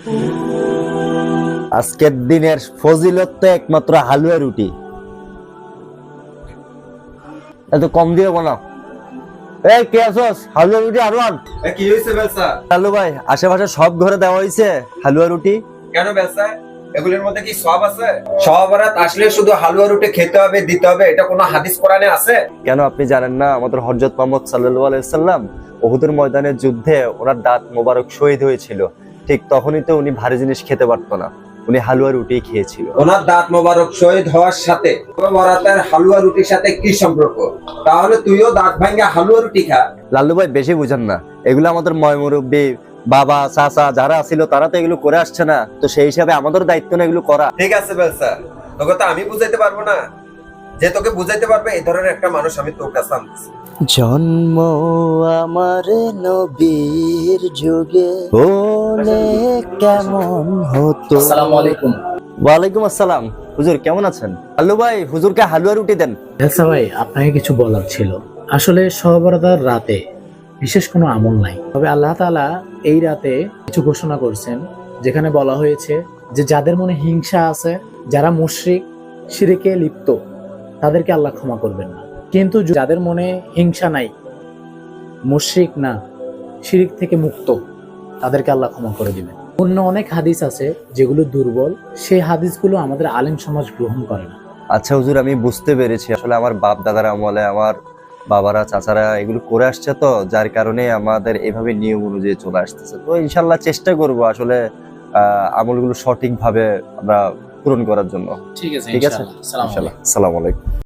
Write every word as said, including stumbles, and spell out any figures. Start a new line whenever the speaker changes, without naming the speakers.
আজকের দিনের ফজিলত তো একমাত্র হালুয়া রুটি। এত কম দিয়ে বানাও। এই কে আছোস? হালুয়া রুটি আরো আন।
এ কি হইছে বেলসা?
হালু ভাই, আশেপাশে সব ঘরে দেওয়া হয়েছে হালুয়া রুটি।
কেন বেলসা? এগুলোর মধ্যে কি সওয়াব আছে? সওয়াবরাত আসলে শুধু হালুয়া রুটি খেতে হবে, দিতে হবে, এটা কোনো হাদিস কোরআনে আছে?
কেন আপনি জানেন না আমাদের হযরত মুহাম্মদ সাল্লাল্লাহু আলাইহি সাল্লাম উহুদের ময়দানের যুদ্ধে ওনার দাঁত মোবারক শহীদ হয়েছিল, ঠিক তখনই তো উনি ভারী জিনিস খেতে পারতো না, উনি হালুয়া রুটি খেয়েছিল।
ওনার দাঁত মোবারক শহীদ হওয়ার সাথে বরাতের হালুয়া রুটির সাথে কি সম্পর্ক? তাহলে তুইও দাঁত ভাঙা হালুয়া রুটি খা।
লাল্লু ভাই বেশি বুঝেন না, এগুলো আমাদের ময়মুরব্বী বাবা চাচা যারা ছিল তারা তো এগুলো করে আসছে না, তো সেই হিসাবে আমাদের দায়িত্ব না এগুলো করা।
ঠিক আছে বেলসা, তোকে তো আমি বুঝাইতে পারবো না, যে তোকে বুঝাইতে পারবে এই ধরনের একটা মানুষ আমি তোর কাছে আনতেছি।
জন্ম আমার নবীর যুগে হলে কেমন হতো।
আসসালামু আলাইকুম।
ওয়ালাইকুম আসসালাম। হুজুর কেমন আছেন? লাল্লু ভাই হুজুরকে হালুয়া রুটি দেন।
আচ্ছা ভাই, আপনাকে কিছু বলার ছিল। আসলে সহবরাতার রাতে বিশেষ কোনো আমল নাই, তবে আল্লাহ তাআলা এই রাতে কিছু ঘোষণা করছেন, যেখানে বলা হয়েছে যে যাদের মনে হিংসা আছে, যারা মুশরিক শিরকে লিপ্ত, তাদেরকে আল্লাহ ক্ষমা করবেন না। কিন্তু যাদের মনে হিংসা নাই, মুশরিক না, শিরিক থেকে মুক্ত, তাদেরকে আল্লাহ ক্ষমা করে দিবেন। অন্য অনেক হাদিস আছে যেগুলো দুর্বল, সেই হাদিসগুলো আমাদের আলেম সমাজ গ্রহণ করে না।
আচ্ছা হুজুর, আমি বুঝতে পেরেছি, আসলে আমার বাপ দাদার আমলে আমার বাবারা চাচারা এগুলো করে আসছে, তো যার কারণে আমাদের এভাবে নিয়ম অনুযায়ী চলে আসতেছে। তো ইনশাল্লাহ চেষ্টা করব আসলে আহ আমলগুলো সঠিকভাবে আমরা পূরণ করার জন্য।
ঠিক আছে,
ঠিক আছে,
ইনশাআল্লাহ। আসসালামু আলাইকুম।
আসসালামু আলাইকুম।